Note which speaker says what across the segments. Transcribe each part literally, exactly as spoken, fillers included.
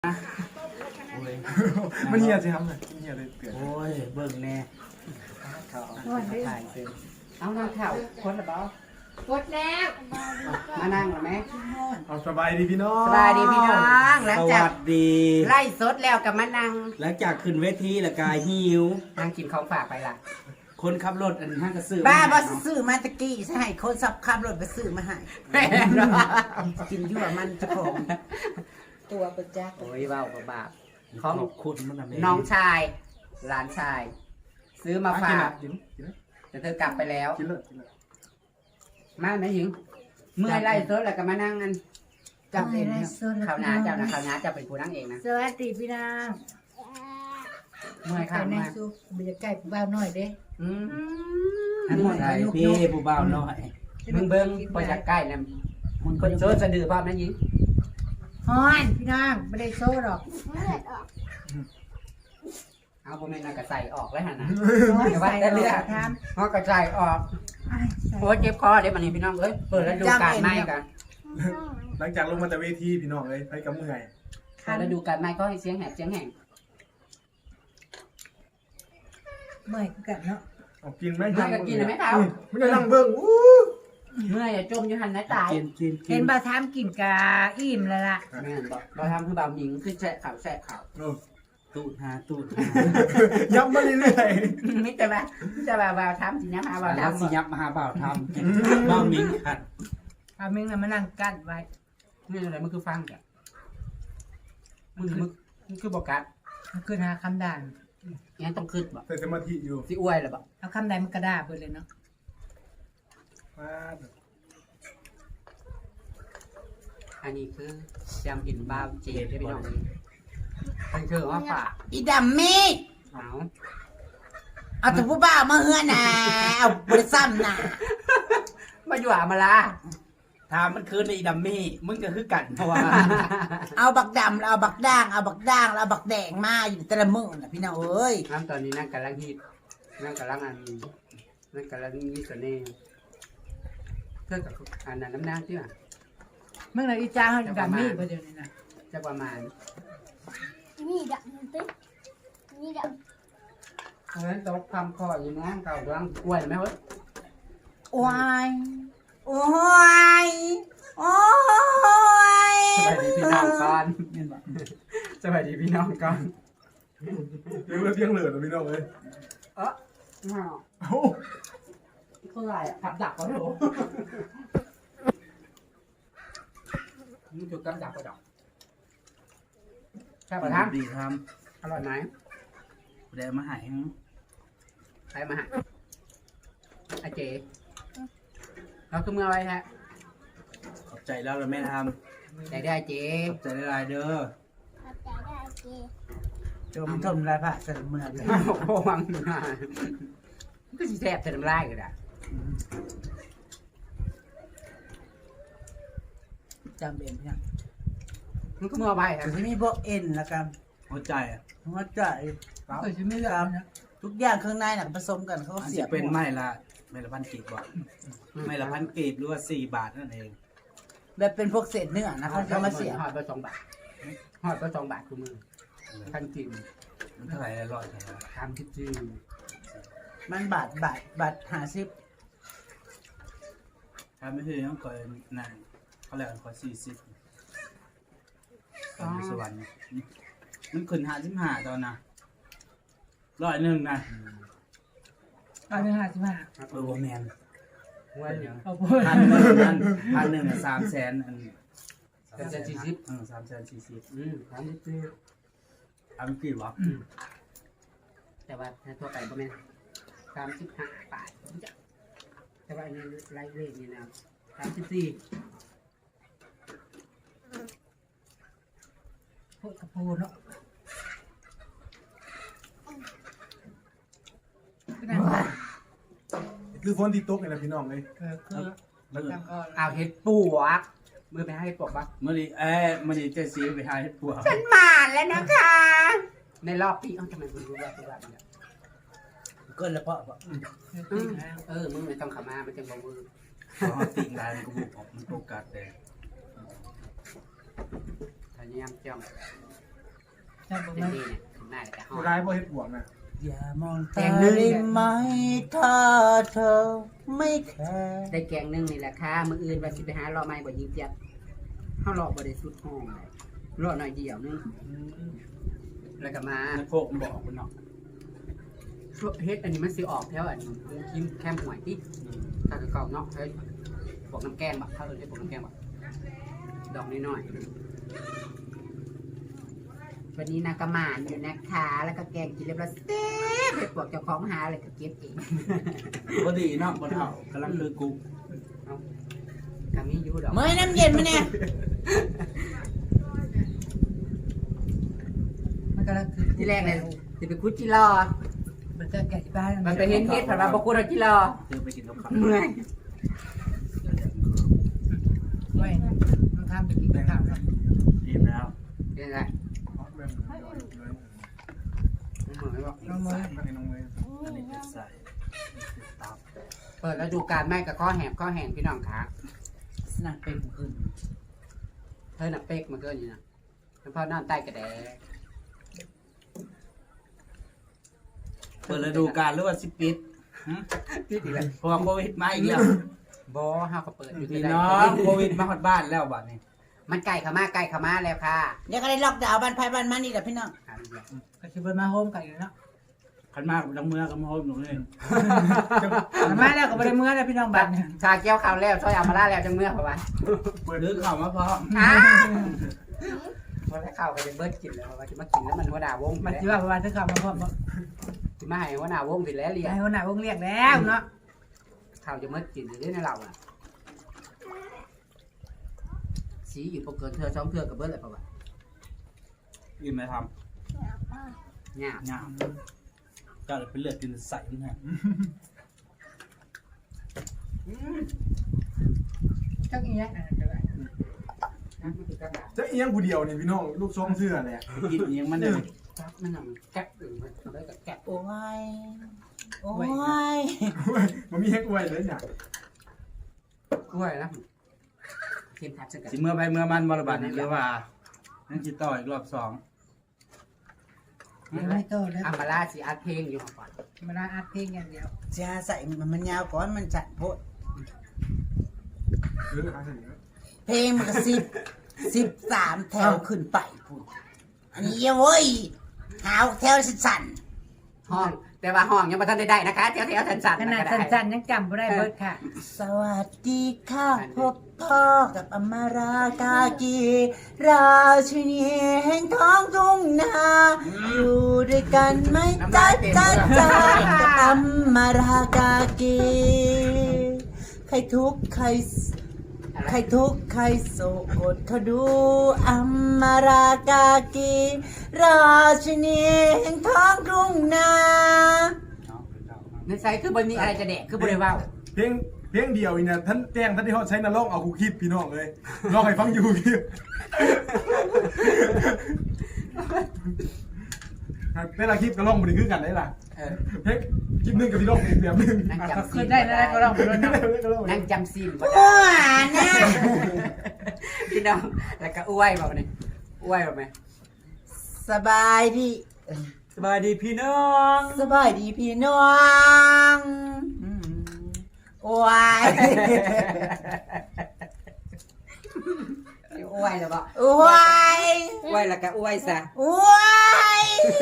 Speaker 1: มันเหี่ยสิครับเลยเหี่ยเลยเตือน
Speaker 2: โอ้ยเบิ่งแน่เขาเอาถ่ายเซ็นเอาหน้าเข่าคนละเบ้ากดแล้วมานั่งหรือไหม
Speaker 1: เอาสบายดีพี่น้อง
Speaker 2: สบายดีพี่น้องหลัง
Speaker 3: ส
Speaker 2: จาก
Speaker 3: วัสดี
Speaker 2: ไล่สดแล้วกับมานั่ง
Speaker 3: หลังจากขึ้นเวทีแล้วกายหิว
Speaker 2: นั่งกินของฝากไปล่ะ
Speaker 3: คนขับรถอันห้างกระสือ
Speaker 4: บ้าบอ
Speaker 3: เนะ
Speaker 4: ซื้อมาตะกี้ใช่คนสับขับรถไปซื้อมาให้
Speaker 2: แม่นบ่
Speaker 4: กินยั่วมันเจะของตัวประจักษ์
Speaker 2: โอ้ยเบาบาปของ
Speaker 3: ขอบคุณมันนะแม่
Speaker 2: น้องชายหลานชาย ซื้อมาฝาก
Speaker 1: กินกินเลย
Speaker 2: แต่เธอกลับไปแล้ว
Speaker 1: กินเลยกินเลย
Speaker 2: มาไหมหญิงเมื่อยไล่สดแล้วก็มานั่งกันจับเองข่าวหน้าเจ้านะข่าวหน้าเจ้าเป็นผู้นั่งเองนะ
Speaker 4: สวัสดีพี่นาง
Speaker 2: เมื่อยค่ะ
Speaker 4: ใน
Speaker 2: เมื่อย
Speaker 4: ซุปบรรยากาศบ้าหน่อยเด้
Speaker 2: อืม
Speaker 3: ทั้งหมดใจพี่ผู้บ่าวน้อย
Speaker 2: มึงเบิ้งไปจากใกล้นะมึงคนโซ่สะดือพร้อมนะหญิง
Speaker 4: ฮอนพี่นางไม่ได้โซ่หรอก
Speaker 2: เอาผมเป็นกระใส่ออกแล้วฮะนะ
Speaker 4: ร้อย
Speaker 2: เดี๋ยวว่า
Speaker 4: ใส่
Speaker 2: แต่เลือด
Speaker 4: ท
Speaker 2: เอากระใส่ออก
Speaker 4: ำ
Speaker 2: โอ้ยเจ็บคอเดี๋ยวมันนี่พี่น้องเอ้ยเปิดแล้วดูการไหม้กัน
Speaker 1: หลังจากลงมาจากเวทีพี่น้องเลยไปกับเมื่อย
Speaker 2: เปิดแล้วดูการไหม้ก็ให้เสียงแหบเสียงแห้ง
Speaker 4: เมื่อยกันเนาะ
Speaker 1: เอากินไหม
Speaker 2: เมื่อยก็กินเลยไหมเท้า
Speaker 1: ไม่ได้นั่งเบิ้งอู้
Speaker 2: เมื่อยอย่าจมอยู่หันนะตาย
Speaker 3: กินกินกิ
Speaker 4: เห็
Speaker 3: น
Speaker 4: นบาทามกินกาอิ่มแล้วล่ะ
Speaker 2: แม่นบอกเราทำคือบ่าวหญิงคือแฉะข่าวแฉะข่าว
Speaker 1: โอ้
Speaker 3: ตูดหาตูดหา
Speaker 1: ย้ำมาเรื่อย
Speaker 2: มิแต่ว่ามิแต่ว่าบ่าวทำสินะมาบ่าว
Speaker 3: แล้ว
Speaker 2: ทำ
Speaker 3: สิยับมาหาบ่าวทำกินบ่าวมิงขัด
Speaker 4: เอามึงน่ะมานั่งกั้นไว้
Speaker 2: นี่อะไรมันคือฟังจ้ะมันคือมันคือบอกกัด
Speaker 4: มันขึ้นหาคำด่าน
Speaker 2: ยังต้องขึ้นบ่
Speaker 1: ๆใส่สมาธิอยู่
Speaker 2: สิอ้วยหรือบ่
Speaker 4: เอาคำใดมันกระดาษไปเลยเนาะ
Speaker 1: มา
Speaker 2: อันนี้คือจำอินบ่าวเจดพี่น้องนี่มันคือว่าฝาก
Speaker 4: อีดำมี
Speaker 2: เอา
Speaker 4: เอาแต่ผู้บ้ามาเฮือน่ะเอาบริซ้ำน่ะ
Speaker 2: มาอยู่อามาลา
Speaker 3: ถามมันคือในดัมมี่มึงก็คือกันเพราะว่า
Speaker 4: เอาบักดำแล้วเอาบักด่างเอาบักด่างแล้วเอาบักแดงมาอยู่แต่ละมื้อน่ะพี่น้องเอ้ย
Speaker 2: น้ำตอนนี้นั่งกำลังฮิตนั่งกำลังอันนั่งกำลังมีเสน่ห์เพื่อกับอันนั้นน้ำนางที่ว่า
Speaker 4: มึงน่ะอีจ้าเฮาดำมีบ่เดี๋ยวนี้น่ะ
Speaker 2: จะประมาณ
Speaker 5: นี่ดับติ๊กนี่ดับ
Speaker 2: เพราะฉะนั้นตกความคออยู่น้องเก่ากำลังอ้วนไหมเว้ย
Speaker 4: โอ้ยโอ้ยโอ้ย
Speaker 2: สบายดีพี่น้องก่อนสบายดีพี่น้องก่อน
Speaker 1: เลี้ยงเลือดเลี้ยงเหลือนะพี่น้องเลย
Speaker 2: เออ
Speaker 1: โอ้
Speaker 2: เท่าไหร่ขับดักเขาเหรอมึงจุดกับดักก็ดอกใช่ป่ะท่าน
Speaker 3: ดีท
Speaker 2: อร่อยไหม
Speaker 3: ำได้มาใหาย
Speaker 2: ใครมาหาไอเจ๊เราคือเมื่อไรฮะ
Speaker 3: ขอบใจแล้วเราแม่ท
Speaker 2: ไหนได้เจ๊
Speaker 3: ำขอบใจหลายๆเด้อ
Speaker 5: ขับใจได้เจ
Speaker 4: จมทมลายพระเสริมเมืองเลย
Speaker 2: โอ้วังอยู่นะก็สิแซ่บแต่น้ำลายกันอ่ะ
Speaker 4: จำเป็นเนี่ย
Speaker 2: มันก็เมื่อไรครั
Speaker 4: จะ
Speaker 2: บ
Speaker 4: มีพวกเอ็นแล้วกัน
Speaker 3: หัวใจอ่ะ
Speaker 4: หัวใจเคยจะไม่รับนะทุกอย่างข้างในน่ะผสมกันเขา
Speaker 3: อัน
Speaker 4: เสี
Speaker 3: จะ
Speaker 4: ยบ
Speaker 3: เป็นไม้ละไม้ละพันกีบบ่ไม้ละพันกีบหรือว่าสี่บาทนั่นเอง
Speaker 4: แบบเป็นพวกเศษเนื้อนะเขาจะมาเสียบ
Speaker 2: หอดไปสองบาทหอดไปสองบาทคือมือพันกิม
Speaker 3: มันเท่าไหร่ละร้อยเท่าไหร่
Speaker 2: ทำที่จืด
Speaker 4: มันบาทบาทบาทหาซิบ
Speaker 3: ถ้าไม่ใช่ต้องคอยนานเขาเรียกว่าคอยสี่สิบตอนอยู่สวรรค์มันขึ้นหาสิบห้าตอนน่ะร้อยหนึ่งนะ
Speaker 4: เอาเนื้อหาซิบห้า
Speaker 3: เออโบแมน
Speaker 2: วันเดียว
Speaker 4: เอาพูด
Speaker 3: พันหนึ่งพันพันหนึ่งอะสามแสนอัน
Speaker 2: สามแสนสี่สิบ
Speaker 3: เออสามแสนสี่สิบ
Speaker 2: อืมทำที่จืด
Speaker 3: อันกี่วะ
Speaker 2: แต่ว่าถ้าทั่วไปก็ไม่สามสิบห้าบาทผมจะแต่ว่าอันนี้ไล่เวทนี่นะสามสิบสี่
Speaker 4: พูดกับพูดเนาะ
Speaker 1: คือฝนที่ตกนี่แหละพี่น้องเลย
Speaker 4: คือคือแล้วก็
Speaker 2: อ้าวเห็ดปวกมือไปให้เห็ดปวกปะ
Speaker 3: เมื่อนี้เอ้ยเมื่อนี้เจสีไปหาให้ปัว
Speaker 2: ฉันมาแล้วนะคะ ในรอบปีเอ้าทำไมคุณรู้ว่าคุณว่าเนี่ย
Speaker 3: ก็แล้วเพาะเพาะ
Speaker 2: อืมเออมึงไม่ต้องขามามันจะบอกมือ
Speaker 3: เพราะติ่งลายมันก็บุกออกมันโอกาสแดง
Speaker 2: พยายามจ้อง
Speaker 4: ชอบ
Speaker 2: เต็
Speaker 4: มาม ก
Speaker 2: ที่เนี่ยขึ้นมาแล้วก็หอ
Speaker 1: บ่
Speaker 2: ย
Speaker 1: ได้บ่เฮ็ดบวกนะ
Speaker 4: อย่ามองตาได้ไหมถ้าเธอไม่แคร์
Speaker 2: ได้แกงหนึงนี่แหละค่ะมื้ออื่นว่าสิไปหารอไม้บ่ยิงเจี๊ยบเฮารอบ่ได้สุดห้องเลยรอหน่อยเดียวนึงแล้วก็มา
Speaker 3: ในโคกมันบอกคุณเนาะ
Speaker 2: เฮ็ดอันนี้มันสิออกแถวอันคิมแคมหวยติถ้าคือเก่าเนาะเฮ้ยพวกน้ำแกงบ่ถ้าเอิ้นได้พวกน้ำแกงบ่ดอกน้อยๆวันนี้นากระหมานอยู่นะคะแล้วก็แกงกินเรียบร้อยเต๊ะไปพวกเจ้าของหาเลยก็เก็บเอง
Speaker 3: บ่ดีเนาะบ่เฒ่ากํลังคือกู
Speaker 2: ก็มีอยู่ดอก
Speaker 4: เมื่อน้ำเย็นมาเนี่ย
Speaker 6: มันก็คือ
Speaker 2: ที่แรกเลยสิไปคุดจิรอ
Speaker 6: มันก็แก่ที่บ้าน
Speaker 2: มันไปเห็นเฮ็ดผ่านมาบอกกูเราจิรอ
Speaker 3: เดี๋ยวไปกินกับข้าว
Speaker 2: เมื่อย
Speaker 6: ไว้มันทำไปกินข้าวครับ
Speaker 3: อิ่มแล้ว
Speaker 2: เป็นไง
Speaker 1: เอาแม่งเลยเลย
Speaker 2: เหมือนบอก
Speaker 6: น้องมือ
Speaker 1: มาให้น้องเลย
Speaker 3: อันนี้เป็นใส่ตับ
Speaker 2: เปิดแล้วดูการแม่กับข้อแหบข้อแหงพี่น้องขา
Speaker 4: สนักเป็นขึ้น
Speaker 2: เธอหนักเป๊กมาเกินอยู่นะเป็นพ่อนอนใต้กระแด
Speaker 3: เปิดฤดูกาลหรือว่าสิปิดหึ
Speaker 2: พี่ดีเลย
Speaker 3: เพราะว่าโควิดมาอีกแล้ว
Speaker 2: บอห้าก็เปิดอยู่ที่
Speaker 3: พี่
Speaker 2: ไหน
Speaker 3: น้องโควิดมาฮอดบ้านแล้วบัดนี้
Speaker 2: มันไก่ขามาไก่ขามาแล้วค่ะ
Speaker 4: เดี๋ยวก็ได้ล็อกดาวน์บ้านไผ่บ้านมันนี่แหละพี่น้อง
Speaker 6: ก็คือมาโฮมกันอยู่เนาะ
Speaker 3: คันมากดังเมือกับมาโฮมหนูเลย
Speaker 6: มาแล้วก็ไม่ได้เมื่อแล้วพี่น้องบัตรเนี่ย
Speaker 2: ชาแก้วข้าวแล้วช่วยเอามาล่าแล้วจังเมื่อเพราะว่า
Speaker 3: หรือข้าวมาพร้อม
Speaker 2: อ้าพอได้ข้าวก็จะเบิดกินแล้วเพราะว่าจะมากินแล้วมันหัวหน้าวง
Speaker 6: มัน
Speaker 2: แล้ว
Speaker 6: ที่ว่าประมาณที่ข่าวมาพร้อม
Speaker 2: จะมาให้หัวหน้าวงสิแล้วเรียน
Speaker 6: ให้คนไหนวงเรียกแล้วเนาะ
Speaker 2: ข้าวจะมืดกินอยู่ด้วยในเราอ่ะสีอยู่ปกเกินเธอสองเธอกับเบิร์ดเลยป่าวะ
Speaker 3: อิ่มไหมท
Speaker 2: เนี่ย
Speaker 3: ำงามเจ้าเลยเป็นเลือดกินใส่มันฮะ
Speaker 6: จักอีเนี้ย
Speaker 1: จะเอียงผู้เดียวนี่พี่น้องลูกทรงเสื้อแหละ
Speaker 3: กินเองมันเลย
Speaker 2: มันทำแก๊บอื่นมันได้กับแก๊บ
Speaker 4: โอ้ย โอ้ย
Speaker 1: มันมีเฮ็ดอวยเลยเนี่ย
Speaker 2: กล้วยนะเค็มทับสกัด
Speaker 3: สิเมื่อไปเมื่อมันบรบัดนี่หรือว่านั่นสิต่ออีกรอบสอง
Speaker 6: ไม่โตแล้ว
Speaker 2: อัมบาลาสีอัดเพลงอยู่ก่อน
Speaker 6: มาลาอัดเพลงอย่างเดียว
Speaker 4: จะใส่มันมันยาวก่อนมันจัดโพด
Speaker 1: เออหาเสนอ
Speaker 4: เพลงมันก็สิบสิบสามแถวขึ้นไปพูดอันนี้เว้ยหาวแถวสั่น
Speaker 2: ห้องแต่ว่าห้องยังไม่ทันได้ได้นะคะเที่ยวเที่ยวสันสัน
Speaker 6: ขนาดสั้นๆยังจำไม่ได้เบิดค่ะ
Speaker 4: ๆสวัสดีค่ะพบพ่อกับอมรากากีราชินีแห่งท้องทุ่งนาอยู่ด้วยกันไหมจ้าจ้าจ้ากับอมรากากีใครทุกข์ใคร ใครทุกข์ใครโศกกดเขาดูอัมมารากากีราชินีแห่งท้องทุ่งนา
Speaker 2: ในใจคือบนนี้อะไรจะแดกคือบริวาร
Speaker 1: เพลงเพลงเดียวอีเนี่ยท่านแจ้งท่านที่เขาใช้นรกเอาคูคิดพี่น้องเลยลองให้ฟังอยู่พี่เวลาคลิปก็ลองบริคือกันได้ล่ะเพลงคลิปหนึงกับพี่น้องอีกแบบหนึง
Speaker 2: นั่ง
Speaker 6: ก็
Speaker 2: จำ
Speaker 6: คื
Speaker 2: ซี
Speaker 6: อน ได้แล้วก็ลองไปด้วยเนาะ
Speaker 2: นั่งจำซีน
Speaker 4: โอ้ยนะ
Speaker 2: พี่น้องแล้วก็อ้วยแบบนี้อ้วยแบบไหม
Speaker 4: สบายดี
Speaker 3: สบายดีพี่น้อง
Speaker 4: สบายดีพี่น้องอืมโอ้ย
Speaker 2: อ้วยแล้วบอก
Speaker 4: โอ้ย
Speaker 2: อ้วยแล้วก็อ้วยซะ
Speaker 4: โอ้ย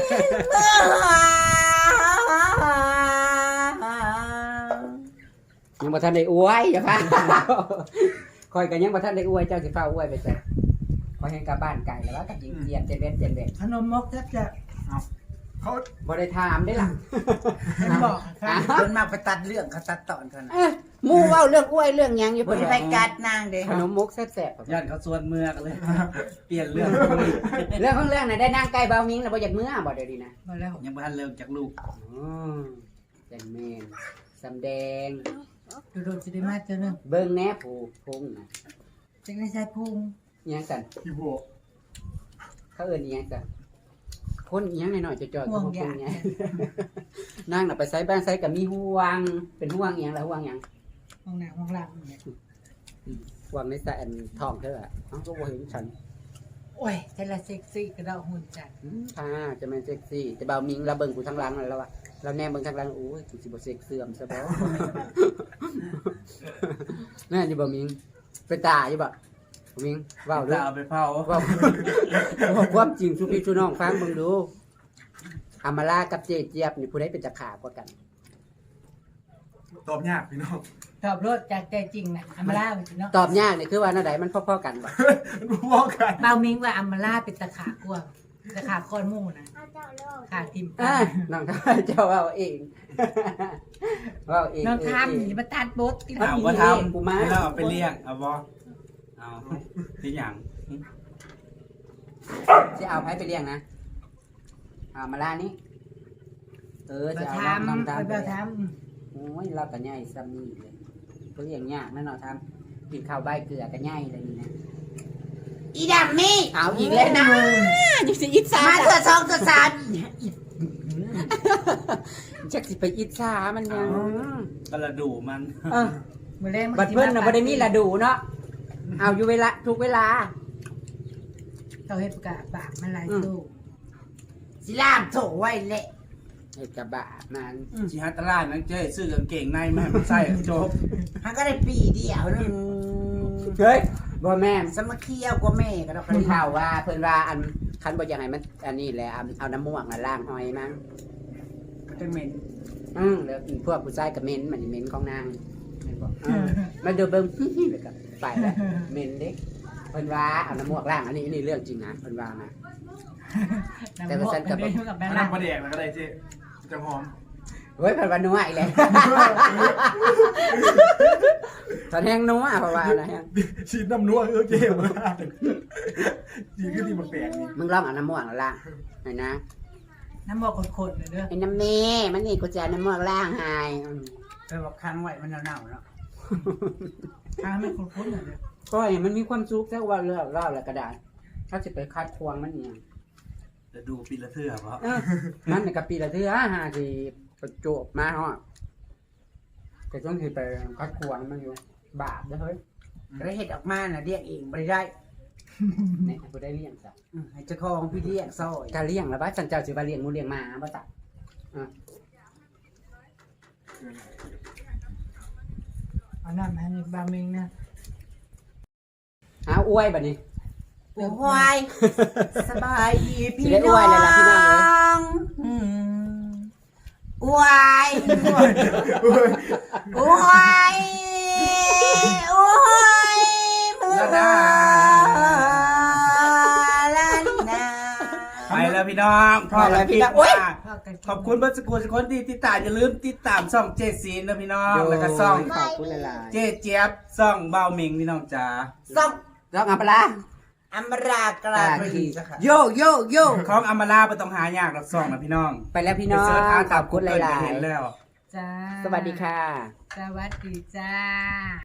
Speaker 2: ยังบ่ทันได้อ้วยอย่าพาคอยกันยังบ่ทันได้อ้วยเจ้าสิฟ้าอ้วยไปซะคอยให้กลับบ้านไก่แล้วว่ากับยิงเจียนเจนเวนเจนเวน
Speaker 6: ขนมมกแทบจะ
Speaker 1: เขา
Speaker 2: บ่ได้ถามได้ล่ะ
Speaker 6: เห็นบอกค่ะ
Speaker 4: คนมากไปตัดเรื่องเขาตัดตอนเขานะ
Speaker 2: เอ้ยหมู่เว้าเรื่องอ้วยเรื่องหยังอยู่
Speaker 4: ค
Speaker 2: เพิ่
Speaker 4: น
Speaker 2: น
Speaker 4: ไป
Speaker 2: ไป
Speaker 4: กัดนางเด้
Speaker 2: ขนมมุกแซ่บๆ
Speaker 3: ย่านเขาส่วนเมือกเลย เปลี่ยนเรื่อง
Speaker 2: เรื่องของเรื่องน่ะได้นั่งใกล้เบามิงแล้วบ่อยากเมื่อบ่เดี๋ยวนี้นะ
Speaker 6: มาแล้ว
Speaker 3: ยังบ่ทันเลิกจากลูก
Speaker 2: อ๋อจันแม่นสำแดง
Speaker 6: ดูดูสิได้มาเจอหนึ่ง
Speaker 2: เบิ่งแหน่ผู้พงน่ะ
Speaker 6: จึงได้ใช้พุง
Speaker 2: อิหยังกัน
Speaker 1: พี่โบ
Speaker 2: เขาเอิ้นอิหยังกันคนอิหยังหน่อยๆจ่อยๆก็บ่พงเนี่ยนั่งน่ะไปไสบ้านไสก็มีห่วงเป็นห่วงอิหยังล่ะห่วงหยัง
Speaker 6: ห้องหน้าห้องหลังเนี่ย
Speaker 2: ห่วงในสะอันท้องเธออ่ะเอ้าก็บ่เห็นฉัน
Speaker 6: โอ้ยแต่ละเซ็กซี่กระดอกหุ่นจัด
Speaker 2: อืมอ่าจะแม่นเซ็กซี่แต่เบามิงเราเบิ่งกูทั้งหลังแล้วว่าเราแนมเบิ่งทั้งหลังโอ้ยกูสิบ่เซ็กเสื่อมซะบ่ แม่นอยู่บ่มิงเป็นตาอยู่บ่บ่มิงเว้าเด้
Speaker 3: จะ
Speaker 2: อ
Speaker 3: เอาไปเผา
Speaker 2: เว้าเว้าความจริงสุพี่สุน้องฟังเบิ่งดูอามาลากับเจเจี๊ยบนี่ผู้ใดเป็นตะขากว่ากัน
Speaker 1: ตอบยากพี่น้อง
Speaker 6: ตอบรถจากใจจริงนะอัมมาล่าไปสิเนาะ
Speaker 2: ตอบยากนี่คือว่าแนวใดมันพอๆกันบ่
Speaker 1: รู้ว่ากัน
Speaker 6: เบามิงว่าอัมมาล่าเป็นตะขากลัวตะขาคอนหมู่นะ
Speaker 5: อาเจ้าเล่า
Speaker 6: ขาทิม
Speaker 2: อ่าน้องเจ้าเว้าเอง เว้าเอง
Speaker 6: น้อง
Speaker 2: เ
Speaker 6: ทำนี่มาตัดบดที่
Speaker 2: เอ
Speaker 6: เรา
Speaker 3: เอาว่าท
Speaker 2: กู
Speaker 3: ำ
Speaker 2: มา
Speaker 3: ให้เราเอาไปเลี้ยงเอาบ่เอาที่หยัง
Speaker 2: สิเอาไผไปเลี้ยงนะอามาลานี่เออ
Speaker 6: เรา
Speaker 2: จะเอา
Speaker 6: ท
Speaker 2: น้อง
Speaker 6: ำ
Speaker 2: ตาม
Speaker 6: เรา
Speaker 2: ไป
Speaker 6: ท
Speaker 2: โอ้ยเราก็ใหญ่ซ้ำนี่เลยก็เลี้ยงยากแน่นอนทำกินข้าวใบเกลือก็ใหญ่เลยนี่นะ
Speaker 4: อีดำนี่
Speaker 2: เอาอีกแล้วนะยังสิอิจฉา
Speaker 4: มาเถอะสองตัวสาม
Speaker 2: จักสิไปอิจฉามันยัง
Speaker 3: กระดูมัน
Speaker 2: เออ
Speaker 6: ำมือแรง
Speaker 2: บัดเพิ่นน่ะบ่ได้มีละดูเนาะเอาอยู่เวลาทุกเวลา
Speaker 6: เขาเฮ็ดประกาศปากมันลายสู้
Speaker 4: สิลามโถไว้แหละ
Speaker 2: เฮ็ดกับบะมัน
Speaker 3: ชิฮัตตลาดนั่งเจ้ซื้อกางเกงในมาให้มันใส่จบ
Speaker 4: มันก็ได้ปีเดียวนึง
Speaker 2: เฮ้ยบ่แม่น
Speaker 4: สมาเคียวกว่าแม่ก็ดอกกระ
Speaker 2: เพิ่น
Speaker 4: ดิ่ง
Speaker 2: ข่าวว่าเพิ่นว่าอันคันบ่อยากให้มันอันนี้แหละเอาเอาน้ำม่วงมาล้างหอยมั้ง
Speaker 4: เป็นเหม็น
Speaker 2: อืมแล้วพวกผู้ชายก็เหม็นมันนี่เหม็นของนางแม่นบ่เออมาดูเบิ่ง แล้วก็ไปแล้วเหม็นเด้เพิ่นว่าเอาน้ำม่วงล้างอันนี้อันนี้เรื่องจริงนะเพิ่นว่านะ แต่ว่าฉันกับ
Speaker 6: น้ำมันกับแบงค์
Speaker 1: น้ำ
Speaker 6: ล่าง
Speaker 1: ปลาแดกนะก็ได้เจ๊จะหอม
Speaker 2: เฮ้ยเพิ่นว่านัวอีกแล้วตอนแห้งนัวเพราะว่าอะไรฮะ
Speaker 1: ชีดน้ำนัวเออเจ๊มาจีขึ้นที่มันแปลกนี่
Speaker 2: มึงลองเอาน้ำม่วงแล้วล้างหน่อยนะ
Speaker 6: น้ำบอกคนๆเลยเด้อ
Speaker 2: ไอ้น้ำเมมันนี่กูจะเอาน้ำม่วงล้างให้อืม
Speaker 4: ไปบอกค้างไว้มันเน่าๆเนาะ
Speaker 6: ทำให้คนๆหน่อยเด้อ
Speaker 2: ก็เห็นมันมีความสุขแต่ว่าเรื่องเล่าแล้วก็ได้ถ้าจะไปคัดควงมันเนี่ย
Speaker 3: จะดูปีละเทื่อเพราะ
Speaker 2: เออมันในกับปีละเทื่อหาที่ประจวบมาฮะแต่ต้องที่ไปคัดควงมันอยู่บาปเด้อเฮ้ย
Speaker 4: แล้วเห็ดออกมาน่ะเรียกเองไม่ได้
Speaker 2: เนี่ยกูได้เลี้ยงจ้ะ
Speaker 4: อืมให้เจ้าของพี่เลี้ยงซอย
Speaker 2: การเลี้ยงแล้วว่าฉันเจ้าสิว่าเลี้ยงหมูเลี้ยงหมาบ่จ้ะ
Speaker 6: เอาน้ำให้บามิงนะ
Speaker 2: เอาอวยบัดนี้
Speaker 4: โอ้ยสบายดีพี่
Speaker 2: สิได้อ
Speaker 4: น้
Speaker 2: ว
Speaker 4: อย
Speaker 2: เลยล่ะพี่น้องเอ้ย
Speaker 4: งอืมอวย
Speaker 1: เฮ้ย
Speaker 4: อวยอวยมือลาลานา
Speaker 3: ไปแล้วพี่น้องพอแล้วพี่น้อง
Speaker 4: โอ๊ย
Speaker 6: พ่อกันกิน
Speaker 3: ขอบคุณเบิร์สกุลสกุลที่ติดตามอย่าลืมติดตามช่องเจซีนนะพี่น้องแล้วก็ช่อง
Speaker 2: ขอบคุณหลาย
Speaker 3: เจเจี๊ยบช่องเบาหมิงพี่น้องจ๋า
Speaker 4: ส่ง
Speaker 2: ๆต้องเอาปลาร้า
Speaker 4: อมรากราบรีจ้ะค่ะ
Speaker 2: โยโยโย
Speaker 3: ของอมราไปต้องหายากหรอกช่องนะพี่น้อง
Speaker 2: ไปแล้วพี่น้อง
Speaker 3: ไปเสิร์ชหา
Speaker 2: ขอบคุณหลาย
Speaker 3: เห็นแล้ว
Speaker 6: จ้า
Speaker 2: ๆ สวัสดีค่ะ
Speaker 6: สวัสดีจ้า